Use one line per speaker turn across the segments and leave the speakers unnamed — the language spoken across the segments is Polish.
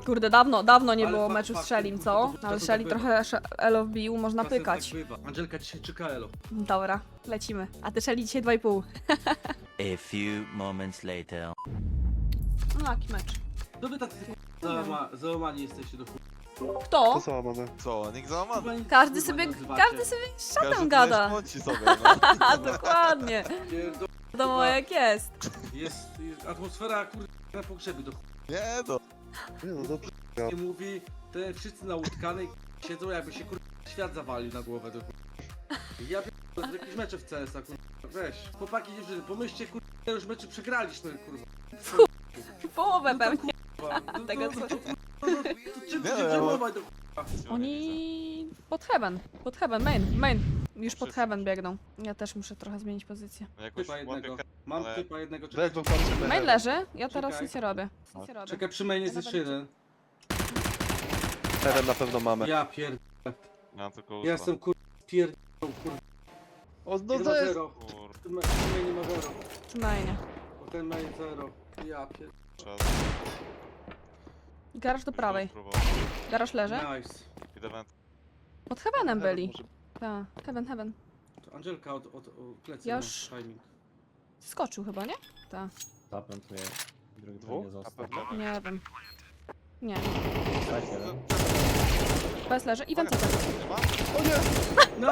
Kurde, dawno nie
Ale
było
fakt,
meczu z
fakt,
Shellim,
kurwa,
co?
to
Ale
tak
Shelly
bywa.
trochę elo wbił, można
Czasem
pykać.
Tak bywa. Angelka dzisiaj czyka elo.
Dobra, lecimy. A ty Shelly dzisiaj 2,5.
A few moments later.
No jaki mecz?
To wy tacy załamani jesteście do chuj.
Kto?
To załamane.
Co, nikt załamany?
Każdy
Kurwa,
sobie,
nazywacie.
każdy sobie szatem
Każdy
gada.
tutaj szmąci sobie, no.
A dokładnie.
Pierdol-
Wiadomo jak jest.
Jest atmosfera kurde na pogrzebie do chuj.
Nie no.
Nie no dobrze.
Nie mówi, te wszyscy na łódkanej siedzą jakby się kurde świat zawalił na głowę do chuj. Ja pierdolę, jakieś mecze w CS-a kurwa. Weź. Chłopaki dziewczyny, pomyślcie kurwa, już meczy przegraliśmy kurwa.
Połowę pewnie.
Kurwa. No
Tego,
to,
co-
to, to, czym
Nie,
to się
ja-
przejmować do
Oni pod heaven, main. Już pod heaven biegną. Ja też muszę trochę zmienić pozycję.
Jakoś
Typa jednego.
łapię
Mam
ale-
typa jednego.
Weź,
Czekaj,
bo patrzymy.
Main leży, ja teraz
Czekaj.
nic nie robię. Nic nie robię.
czekaj przy mainie jest jeszcze jeden.
Heaven na pewno mamy.
Ja pierd...
Mam tylko
Ja
usta.
jestem kurwa.
O, no
Jeden
to
ma
jest.
zero.
Kur...
Ten main ma zero.
Przy mainie.
Bo ten main zero. Ja pierd...
Czas.
Garaż do prawej. Garaż leży.
Nice.
Idę węd.
Pod heavenem byli.
Może-
Tak, heaven.
To Angelka od plecy
Ja
ma
już-
timing.
Skoczył chyba, nie? Tak.
Zapętuje. Drugi
Dwóch?
nie
Na
został.
pewno.
Nie wiem. Nie.
Tak, jeden.
Bez leży i więcej też.
Nie ma?
O nie!
No!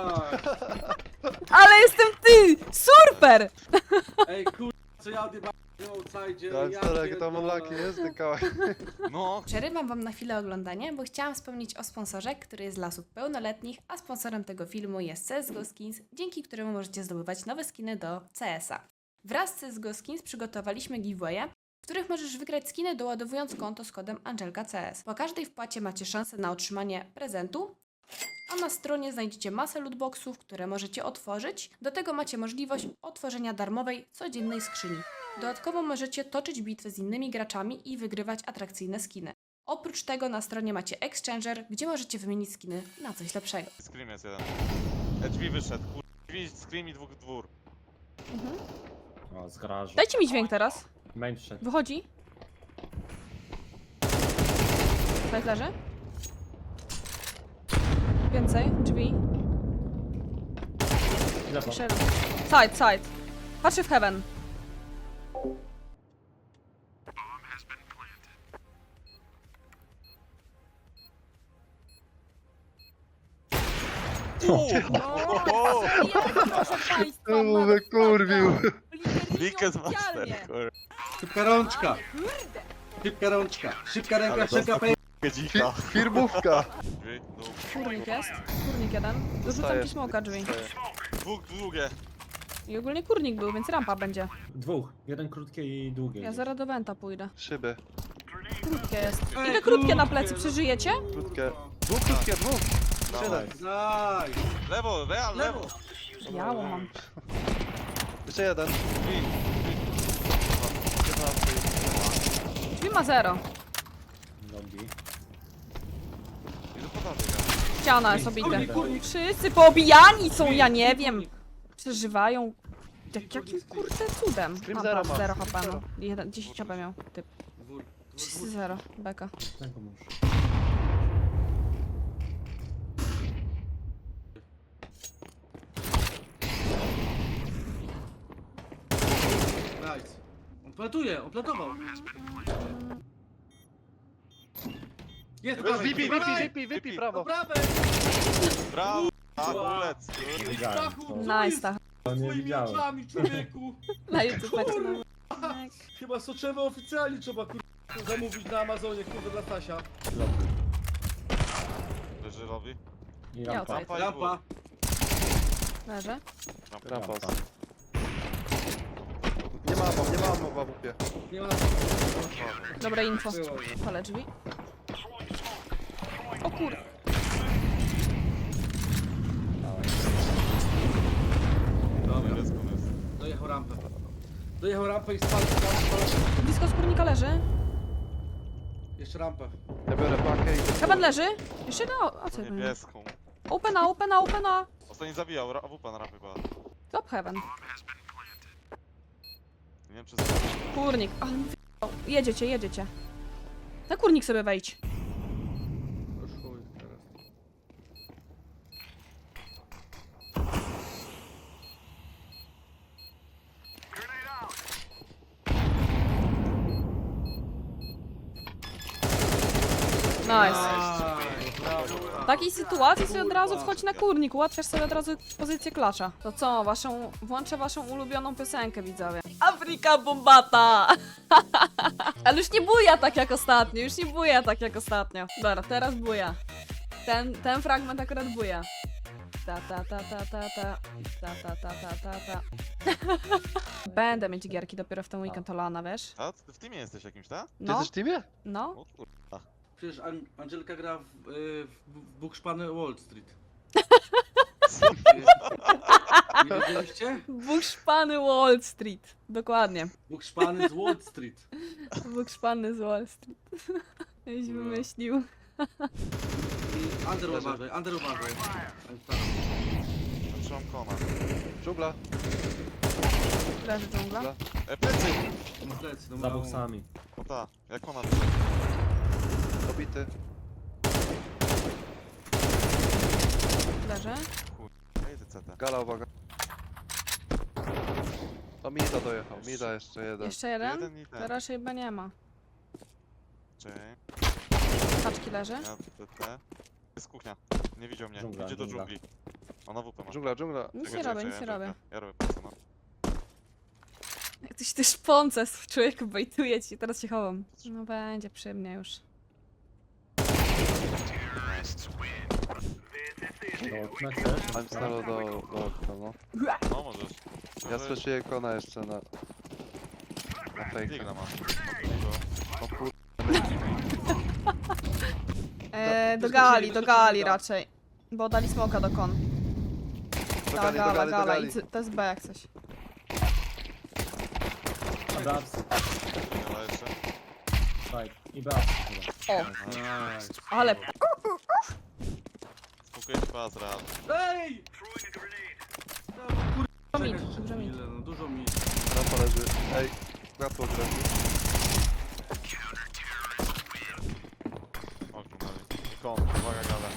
Ale jestem ty! Super!
Ej kurwa, co ja odjebałem w outside.
Tak,
ja
stary, jak tam
pierdolę.
unlucky jest, ten kałak.
No.
Przerywam Wam na chwilę oglądanie, bo chciałam wspomnieć o sponsorze, który jest dla osób pełnoletnich, a sponsorem tego filmu jest CSGO Skins, dzięki któremu możecie zdobywać nowe skiny do CS-a. Wraz z CSGO Skins przygotowaliśmy giveawaye, w których możesz wygrać skiny doładowując konto z kodem AngelkaCS. Po każdej wpłacie macie szansę na otrzymanie prezentu, a na stronie znajdziecie masę lootboxów, które możecie otworzyć. Do tego macie możliwość otworzenia darmowej, codziennej skrzyni. Dodatkowo możecie toczyć bitwy z innymi graczami i wygrywać atrakcyjne skiny. Oprócz tego na stronie macie Exchanger, gdzie możecie wymienić skiny na coś lepszego.
Scream jest jeden. Drzwi wyszedł, kur... Drzwi, scream i dwór.
O, z garażu.
Dajcie mi dźwięk teraz.
Main wszedł.
Wychodzi. Bez leży. Więcej, drzwi.
Lewo.
Jeszcze jeden. Side. Patrzy w heaven.
O!
Proszę państwa,
To mu wykurwił.
Wicked Master, kur...
Szybka rączka. Szybka rączka. Szybka ręka,
Ale
szybka
dostał dzika.
Firmówka.
Drzwi, dół.
Kurnik jest. Kurnik jeden. Dorzucam
Dostaję.
ci smoka drzwi.
Długie.
I ogólnie kurnik był, więc rampa będzie.
Dwóch. Jeden krótkie i długie.
Ja zaraz do Wenta pójdę.
Szyby.
Krótkie jest.
Ej,
Idę krótkie na
krótkie,
plecy,
no.
przeżyjecie?
Krótkie. Dwóch krótkie, dwóch.
Dawaj.
Nice.
Lewo, real, lewo.
Biało mam.
Jeszcze jeden.
Drzwi.
15.
Drzwi ma 0.
Nogi.
Idę po dalej, ja.
Ściana jest obite.
Kurnik.
Wszyscy poobijani są, ja nie wiem. Przeżywają. Jakim kurde cudem.
Scream
A,
zero
patrz,
ma.
0 HP,
Zero.
no. 10 HP miał. Typ.
Dwór.
Wszyscy 0. Beka.
Tego muszę.
Nice. On plantuje, on plantował. Jest,
VP, prawo.
Do prawej.
Brawo. A, ulec.
Nie widziałem.
Stachu,
To,
Nice, tak.
to nie
Twoimi
widziałem.
oczami, człowieku.
Na YouTube macie na...
Chyba soczewe oficjalnie trzeba zamówić na Amazonie, kurde, dla Stasia.
Leży lobby.
I
Ja
rampa.
outside.
Lampa.
Leży.
Rampa.
Rampa.
Nie ma mowa w upie.
Nie ma
Dobre info.
Było.
Palę drzwi. O kur...
Dobra,
Jest.
dojechał rampę i spalił.
Blisko skórnika leży.
Jeszcze rampę.
Ja biorę pakę i...
Heaven leży. Jeszcze jeden... A co ja powiem?
Niebieską.
Opena.
Ostatni zabijał, AWP na rampie była.
Top heaven.
Nie wiem czy...
Kurnik. Ale mi wyjebał. Jedziecie. Na kurnik sobie wejdź.
Już chuj teraz.
Nice.
Brawo.
W takiej sytuacji sobie od razu wchodź na kurnik, ułatwiasz sobie od razu pozycję klacza. To co, włączę waszą ulubioną piosenkę, widzowie. Afryka Bombata! Ale już nie buja tak jak ostatnio, już nie buja tak jak ostatnio. Dobra, teraz buja. Ten fragment akurat buja. Ta ta ta ta ta ta ta ta ta ta ta ta. Będę mieć gierki dopiero w ten weekend to lana, wiesz?
A, ty w teamie jesteś jakimś, tak?
Ty
No,
jesteś w teamie?
no.
O kurwa.
Przecież Angelka gra w Bukszpany Wall Street. Nie wiedzieliście?
Bukszpany Wall Street. Dokładnie.
Bukszpany z Wall Street.
Bukszpany z Wall Street. Jakś
No.
wymyślił.
I Under uważaj, Under uważaj.
Trzymam kona.
Dżungla.
Leży dżungla.
Plecy!
Plecy, no
Za
brawo.
boksami.
O ta, jak ona
Dobity.
Leży.
Ej, ty CT.
Gala, uwaga. O, Mida dojechał. Mida jeszcze jeden.
Jeszcze jeden?
Jeden i ten.
To raczej chyba nie ma.
Czekaj,
Kaczki leży.
ja CT. Jest kuchnia. Nie widział mnie.
Dżungla,
Idzie do
dżungla.
dżungli. Ona WP ma.
Dżungla, dżungla.
Nic
Czekaj,
nie robię,
czekaj,
nic nie robię.
Ja robię pracę, no.
Jak ktoś też szponce z człowieku bejtuje ci, teraz się chowam. No będzie przy mnie już.
Do okna chcesz?
I'm staro do okna, no.
No możesz.
Ja słyszyję kona jeszcze na fejka.
Digla ma.
O kur...
Do gali, do gali raczej. Bo dali smoka do kon.
Do
Ta
gali, do gali, do
gala.
gali.
To jest B jak coś.
Abraps,
Digla jeszcze.
side. I Braps chyba.
O,
Nice.
ale
Spokojnie pas, real.
Ej! No, kurwa,
mi,
czekaj jeszcze
dużo mi.
chwilę, no dużo mi.
Rampa leży. Ej, światło gra.
Okno dali. I kon, uwaga gala.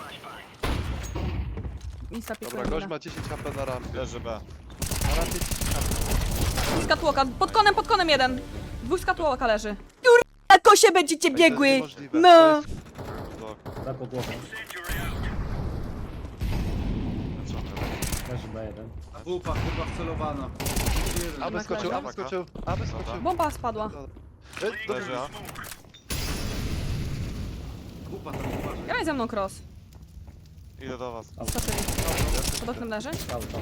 Insta
Dobra,
pikuje
gość
mina.
ma 10 HP na rampie.
Leży B.
Na rampie 10 HP.
Skatłoka, pod konem jeden. Dwóch skatłoka leży. Kurwa, kosie będziecie biegły!
To jest niemożliwe.
No!
To jest...
Do
Za po głowę. Leży B1.
Wupa chyba wcelowana. Jeden.
Aby skoczył, aby skoczył, aby skoczył.
Bomba spadła.
Leży A.
Wupa tam uważaj.
Graj ze mną cross.
Idę do was.
Skoczyli. Pod oknem leży.
Cały to.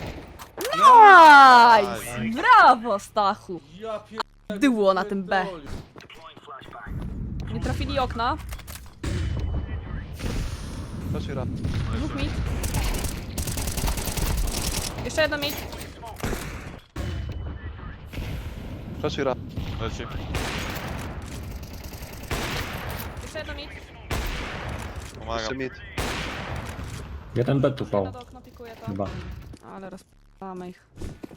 Nice! Brawo, Stachu!
Ja pier...
Dyło na tym B.
pierdolił.
Nie trafili okna.
Proszę ramp.
Dwóch mit. Jeszcze jeden mit.
Proszę ramp.
Leci.
Jeszcze jeden mit.
Jeszcze
Pomagam.
mid.
Jeden B tu
Jedno
pał.
do okna pikuje to.
Chyba.
Ale rozpalamy ich.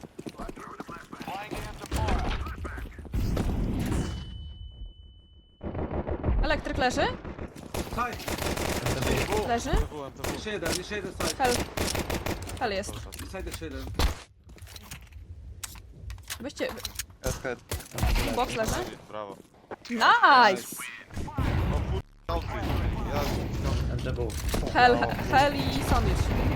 Elektryk leży?
Side.
Leży?
To był.
Jeszcze jeden side.
Hel. Hel jest.
Side jeszcze jeden.
Weźcie.
SK.
Box leży?
Brawo.
Nice!
O kur... Outfit. Ja...
MDW.
Hel i sandwich.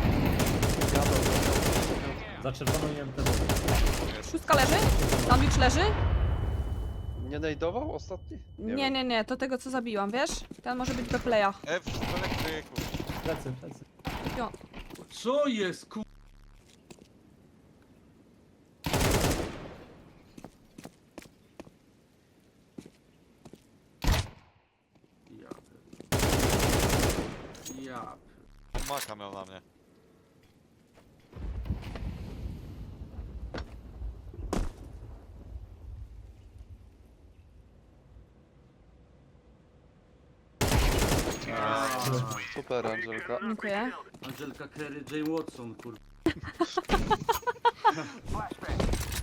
Za czerwoną i MDW.
Szóstka leży? Sandwich leży?
Nie najdował ostatni?
Nie, nie, nie, to tego co zabiłam, wiesz? Ten może być do playa.
F w elektryku.
Plecy, plecy.
Co jest ku... Ja pier- Ja pier-
On maka miał na mnie.
Super, Angelka.
Dziękuję.
Angelka Kerry, Jane Watson, kurwa.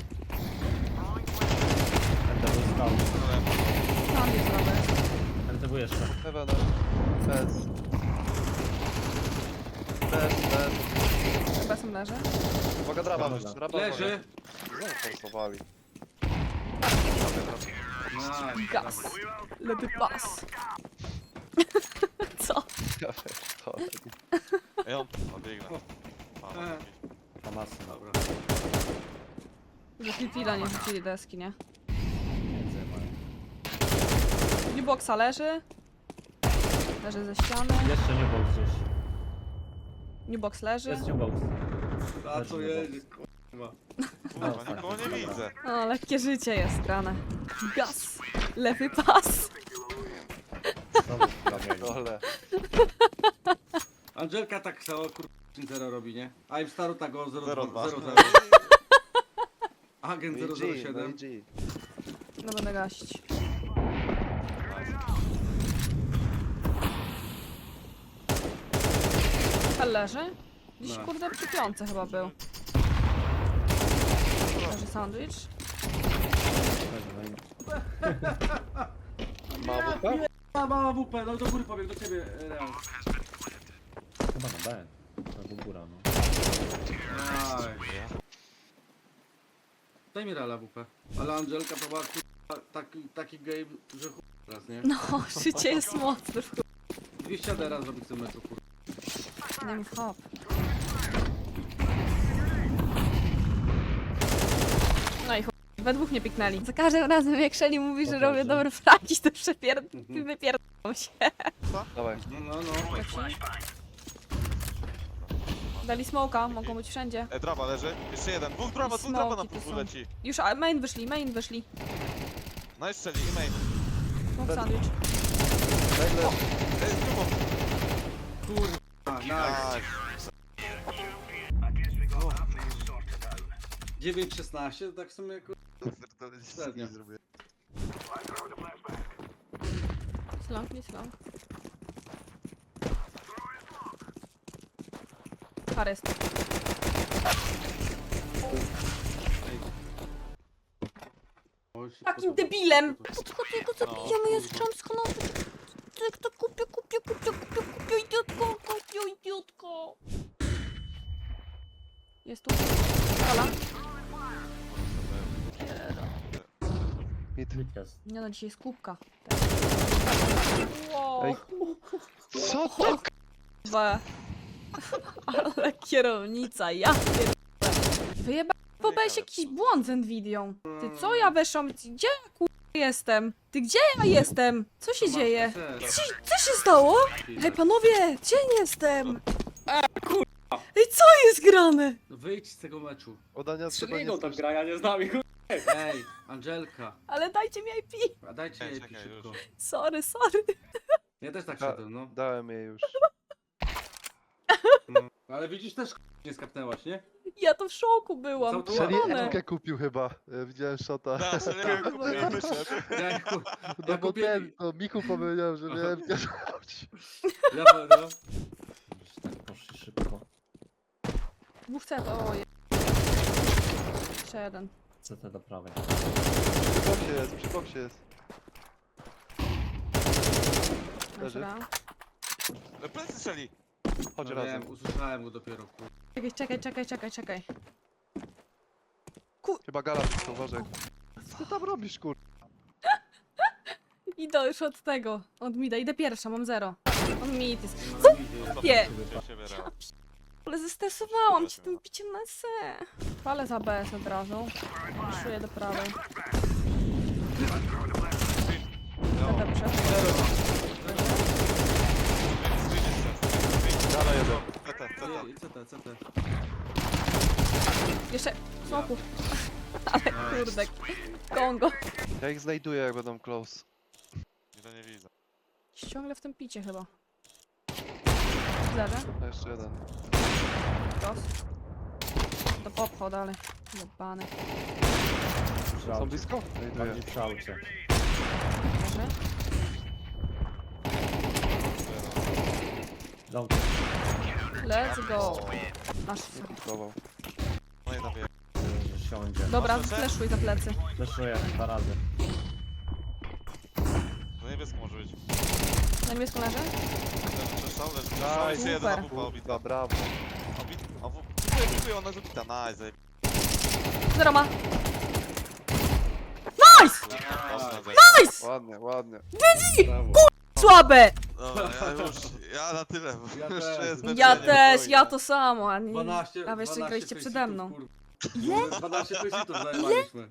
MDW stał.
Sandwich zrobię.
MDW Lewu jeszcze.
Heaven. Bez. Bez.
Chyba sam leży.
Uwaga, draba.
Dobra.
Draba.
Leży.
Znowu forsowali.
Nice.
Gaz. Ledy pas. Co?
Ja pierdolę.
Ej, on biegnę.
E.
Famasy.
Dobra.
Że Titila nie rzucili deski, nie?
Między mają.
Newboxa leży. Leży ze ściany.
Jeszcze nie box gdzieś.
Newbox leży.
Jest nie box.
A co jedzie, kurwa.
Kurwa, nikogo nie widzę.
O, lekkie życie jest grane. Gaz. Lewy pas.
Znowu w kamieniu.
Dole.
Angelka tak samo, kurwa, 0 robi, nie? A im staru tak o 0
0-2.
0 Agent
No i
007.
G.
No będę gaścić. Hel leży? Gdzieś
No.
kurde przy piątce chyba był. Leży sandwich.
Mało tak?
Mała WP, no do góry pobiegł, do ciebie, Real.
Chyba na B. Albo góra, no.
Aj. Daj mi Reala WP. Ale Angelka to była kurwa, taki game, że chuj teraz, nie?
No, życie jest mocne.
200 teraz zrobić w tym meczu, kurwa.
Nie mów hop. No i chuj. We dwóch nie piknęli. Za każdym razem jak Shelly mówi, że
Dobrze.
robię dobre fragi, to wypierdolą się.
Dawaj.
No.
Dali smoka, mogą być wszędzie.
Draba leży. Jeszcze jeden. Dwóch draba na
Smoki tu
pół
są.
leci.
Już main wyszli.
No i strzeli i main.
Smoke sandwich.
Nagle.
Ej, z drugą.
Kurwa, nice.
Nice.
9-16, to tak w sumie kurwa. Średnio.
Slong, nie slong. Harest.
Oj, się
Takim
podoba.
debilem!
To-
Tylko tego zabijamy, jest chamsko, no. Tak to kupię, idiotko. Jest tu. Halo?
Mid.
Mid jest.
Nie no, dzisiaj jest kubka. Wow.
Ej. Co to?
K***wa. Ale kierownica, ja pierdolę. Wyjeba... Pobrałeś jakiś błąd z Nvidią. Ty co ja weszłam? Gdzie ja jestem? Ty gdzie ja jestem? Co się dzieje? Co się stało? Hej panowie, gdzie jestem? Ej, co jest grane?
Wyjdź z tego meczu.
Udania trzeba nie
tak gra, ja nie znam ich.
Ej, Angelka,
Ale dajcie mi IP.
a dajcie jej
Czekaj,
szybko.
już.
Sorry.
Ja też tak
Da-
szedłem, no.
Dałem jej już.
Ale widzisz, też nie skapnęłaś, nie?
Ja to w szoku byłam.
Co to
Shelly
Kochane.
Emkę kupił chyba. Widziałem shota.
Da, strzeliłem go, nie wyszedł.
Ja,
No
ja
bo
kupię...
ten, to Michu powiedział, że miałem Emkę rzucić.
Ja no.
Tak poszli szybko.
Dwóch C to oje. Jeszcze jeden.
CT do prawej.
Przy boksie jest. Leży.
Dobra.
Plecy strzeli.
Chodź
No
razem.
wiem, usłyszałem go dopiero, kurwa.
Czekaj.
Chyba gala blisko, uważaj. Co ty tam robisz, kur...
Idę już od tego. Od mida. Idę pierwsza, mam 0. On mid jest.
No, widzę.
Nie.
Siebie raz.
Ale zestresowałam cię tym biciem na C. Palę za BS od razu. Puszuję do prawej. Dobrze.
Gala jeden.
CT.
CT.
Jeszcze smoku. Ale kurde. Kongo.
Ja ich znajduję, jak będą close.
Nie widzę.
Ciągle w tym picie chyba. Leżę.
A jeszcze jeden.
Dos. Do popcho dalej. Jebany.
Są blisko? Znajduję.
Bardziej przy aucie.
Leży.
Long.
Let's go. Masz.
Próbował.
No i nabiję.
Że siądzie.
Dobra,
Masz jeszcze?
fleszuj za plecy.
Fleszuję 2 razy.
To niebiesko może być.
Na niebieską leży?
Leży przeszał, leży
Nice.
przeszał. Jeszcze jeden
Super.
AWP obity.
Kurwa, brawo.
Dziękuję, ona jest obita. Nice, zajeb...
Zero ma.
Nice!
Nice!
Ładnie, ładnie.
Brawo.
Słabe!
Dobra, ja na tyle, bo
Ja
jeszcze
też.
jest
Ja
mecz,
też,
nie
ja to samo, a nie...
12,
A wy jeszcze
12
graliście przede mną.
faceitów, kurwa. 12 faceitów zajmowaliśmy.